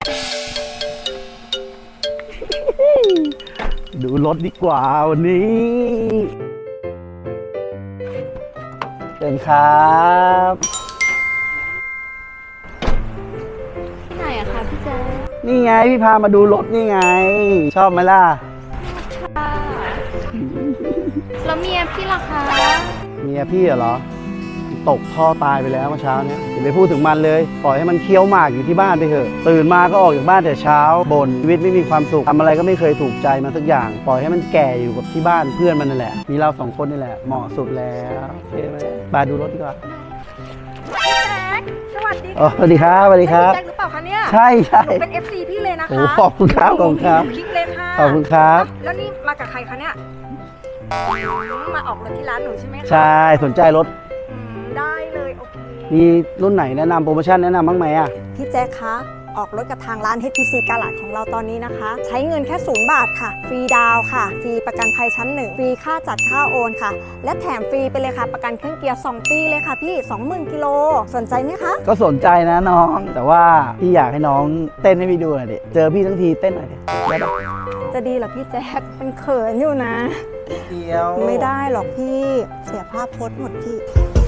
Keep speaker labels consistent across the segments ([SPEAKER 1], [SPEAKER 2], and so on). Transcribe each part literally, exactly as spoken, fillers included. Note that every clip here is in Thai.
[SPEAKER 1] ดูรถดีกว่าวันนี้เป็นครับ
[SPEAKER 2] ที่ไหนอะคะพี่เจ
[SPEAKER 1] นี่ไงพี่พามาดูรถนี่ไงชอบไหมล่ะ
[SPEAKER 2] ค่ะแล้วเมียพี่ล่ะคะ
[SPEAKER 1] เมียพี่เหรอตกท่อตายไปแล้วเมื่อเช้านี้อย่าไปพูดถึงมันเลยปล่อยให้มันเคี้ยวหมากอยู่ที่บ้านไปเถอะตื่นมาก็ออกจากบ้านแต่เช้าบ่นชีวิตไม่มีความสุขทำอะไรก็ไม่เคยถูกใจมาสักอย่างปล่อยให้มันแก่อยู่กับที่บ้านเพื่อนมันนั่นแหละมีเราสองคนนี่แหละเหมาะสุดแล้วโอเคไหมไปดูรถดีกว่า
[SPEAKER 3] พี่แจ็คสวัสดี
[SPEAKER 1] อ๋อสวัสดีครับสวัสดีครับ
[SPEAKER 3] พี่แจ็คหรือเปล่าคะเนี่ย
[SPEAKER 1] ใช่ใช่
[SPEAKER 3] หนูเป็น เอฟ ซี พี่เลยนะคะ
[SPEAKER 1] โอ้ขอบคุณครับขอบคุณครับ
[SPEAKER 3] คลิกเลยค่ะ
[SPEAKER 1] ขอบคุณครับ
[SPEAKER 3] แล้วนี่มากับใครคะเนี่ยมาออกรถที่ร้านหนูใช่ไหมคะ
[SPEAKER 1] ใช่สนใจรถ
[SPEAKER 3] ได้เลยโอเค
[SPEAKER 1] มีรุ่นไหนแนะนำโปรโมชั่นแนะนำบ้างไหมอ่ะ
[SPEAKER 3] พี่แจ็คคะออกรถกับทางร้าน เอช พี ซี กาลาดของเราตอนนี้นะคะใช้เงินแค่ศูนย์บาทค่ะฟรีดาวค่ะฟรีประกันภัยชั้นหนึ่งฟรีค่าจัดค่าโอนค่ะและแถมฟรีไปเลยค่ะประกันเครื่องเกียร์สองปีเลยค่ะพี่ สองหมื่น กิโลสนใจไหมคะ
[SPEAKER 1] ก็สนใจนะน้องแต่ว่าพี่อยากให้น้องเต้นให้พี่ดูหน่อยดิเจอพี่ทั้งทีเต้นหน่อยดิได้ปะ
[SPEAKER 3] จะดีเหรอพี่แจ็คเป็นเขินอยู่นะ
[SPEAKER 1] เดียว
[SPEAKER 3] ไม่ได้หรอกพี่เสียภาพโพสต์หมดพี่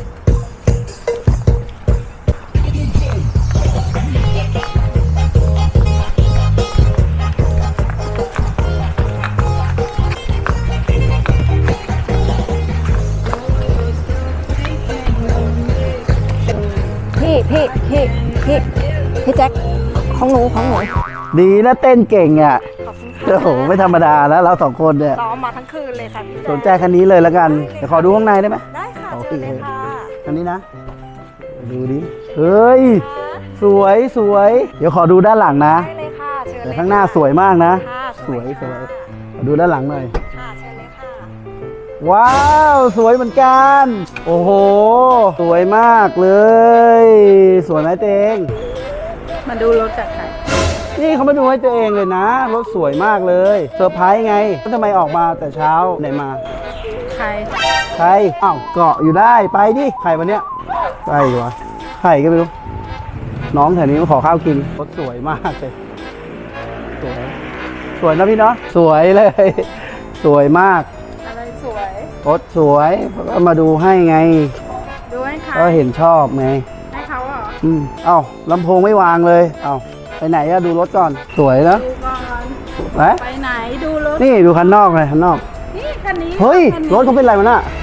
[SPEAKER 3] พี่พี่พี่พี่พี่แจ็คของหนูของหนู
[SPEAKER 1] ดีนะเต้นเก่งอ่ะ
[SPEAKER 3] ขอบคุณค่ะ
[SPEAKER 1] โอ้โหไม่ธรรมดาแล้วเราสองคนเนี่ย
[SPEAKER 3] ซ้อมมาทั้งคืนเลยค่ะพี่แจ็ค
[SPEAKER 1] สนใจคันนี้เลยแล้วกันเดี๋ยวขอดูข้างในได้ไหม
[SPEAKER 3] ได้ค่ะเชิญเลยค่ะ
[SPEAKER 1] คันนี้นะดูดิเฮ้ยสวยสวยเดี๋ยวขอดูด้านหลังนะ
[SPEAKER 3] ได้เลยค่ะเชิญเลย
[SPEAKER 1] แต่ข้างหน้าสวยมากนะ
[SPEAKER 3] สวย
[SPEAKER 1] สวยขอดูด้านหลังหน่อย
[SPEAKER 3] ค่ะเชิญเลยค่ะ
[SPEAKER 1] ว้าวสวยเหมือนกันโอ้โหสวยมากเลยสวยไหมเตง
[SPEAKER 2] มาดูรถจากใคร
[SPEAKER 1] นี่เขามาดูให้ตัวเองเลยนะรถสวยมากเลยเซอร์ไพรส์ไงแล้วทำไมออกมาแต่เช้าไหนมา
[SPEAKER 2] ใคร
[SPEAKER 1] ใครอ้าวเกาะอยู่ได้ไปดิใครวันเนี้ยใครวะใครก็ไม่รู้น้องแถวนี้มาขอข้าวกินรถสวยมากเลยสวยสวยนะพี่เนาะสวยเลยสวยมาก
[SPEAKER 2] อะไรสวย
[SPEAKER 1] รถสวยก็มาดูให้ไง
[SPEAKER 2] ดูให้ใคร
[SPEAKER 1] ก็เห็นชอบไง
[SPEAKER 2] ให้เขาเหรอ
[SPEAKER 1] อืมเอ้าลำโพงไม่วางเลยเอ้าไปไหนอะดูรถก่อนสวยนะ
[SPEAKER 2] ดูก่อน
[SPEAKER 1] ไป
[SPEAKER 2] ไปไหนดูรถ
[SPEAKER 1] นี่ดูคันนอกเลยคันนอก
[SPEAKER 2] นี่คันนี้
[SPEAKER 1] เฮ้ยรถเขาเป็นอะไรมาน่ะ